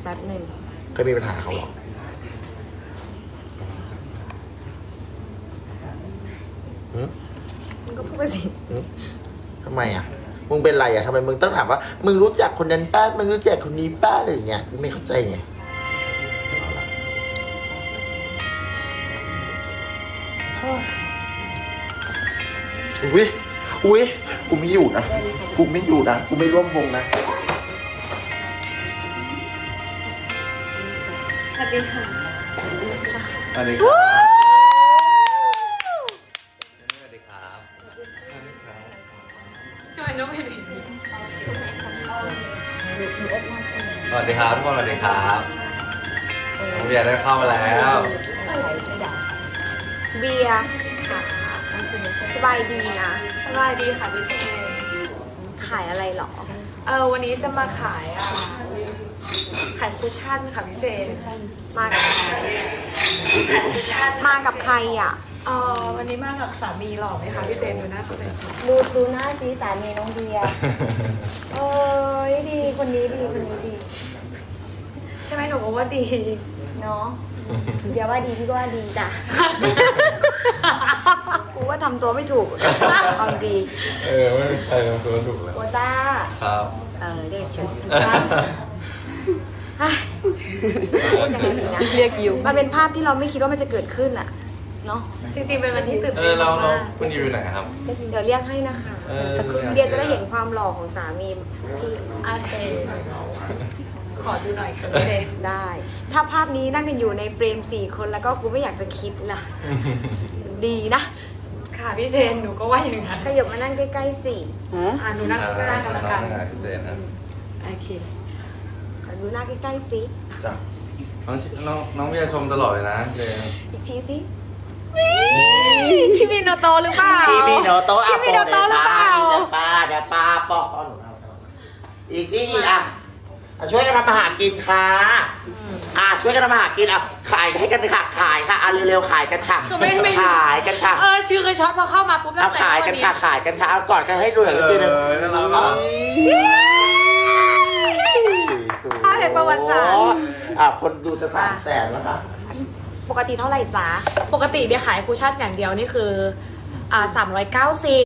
แป๊บหนึ่งเคยมีปัญหาเขาหรอมึงก็พูดไปสิทำไมอ่ะมึงเป็นไรอ่ะทำไมมึงต้องถามว่ามึงรู้จักคนนั้นป้ามึงรู้จักคนนี้ป้าอะไรอย่างเงี้ยกูไม่เข้าใจไงอุ้ยกูไม่อยู่นะกูไม่อยู่นะกูไม่ร่วมวงนะสวัสดีค่ะสวัสดีครับสวัสดีครับทำไมต้องเป็นแบบนี้สวัสดีครับทุกคนสวัสดีครับน้องเบียร์ได้เข้ามาแล้วเบียร์ค่ะสบายดีนะสบายดีค่ะพี่เจนขายอะไรหรอวันนี้จะมาขายคุชชั่นค่ะพี่เจนมากับใครขายคุชชั่นมากับใครอ่ะวันนี้มากับสามีหล่อไหมคะพี่เจนดูหน้าเขาเลยสิดูหน้าสีสามีน้องเบียร์เอ้ยดีคนนี้ดีคนนี้ดีใช่ไหมหนูก็ว่าดีเนาะเดี๋ยวว่าดีพี่ก็ว่าดีจ้ะ กูว่าทำตัวไม่ถูกเอาดีไม่มีใครทำตัวถูกแล้วโอต้าครับเรียกฉันพูดยังไงดีนะเรียกอยู่มันเป็นภาพที่เราไม่คิดว่ามันจะเกิดขึ้นอ่ะเนาะจริงๆเป็นวันที่ตื่นเต้นเรามากคุณอยู่ไหนครับเดี๋ยวเรียกให้นะคะ สักครู่เรียกเดียวจะได้เห็นความหล่อของสามีพี่โอเคขอดูหน่อยค่ะพี่เจนได้ ถ้าภาพนี้นั่งกันอยู่ในเฟรม4 คนแล้วก็กูไม่อยากจะคิดล่ะ ดีนะค่ะพี่เจนหนูก็ว่าอย่างนั้นขยับมานั่งใกล้ๆสิหนูนั่งข้างหน้ากันละกันพี่เจนนะโอเคขอดูหน้าใกล้ๆสิจ้ะน้องเบียร์ชมตลอดเลยนะเจนอีกทีสิคิมิโนโตะหรือเปล่าคิมิโนโตะคิมิโนโตะหรือเปล่าเดี๋ยวป้าปอกอีซี่อ่ะช่วยกันทำอาหารกินค่ะช่วยกันทำอาหารกินขายให้กันค่ะขายค่ะเร็วๆขายกันค่ะคือไม่ขายกันค่ะชื่อเคยช็อตพอเข้ามาปุ๊บเอาขายกันค่ะขายกันค่ะเอาก่อนกันให้ดูหน่อยนิดนึงน่ารักอ่ะเห็นประวัติศาสตร์คนดูจะ300,000แล้วค่ะปกติเท่าไหร่จ๊ะปกติเบียร์ขายคุชชั่นอย่างเดียวนี่คือ390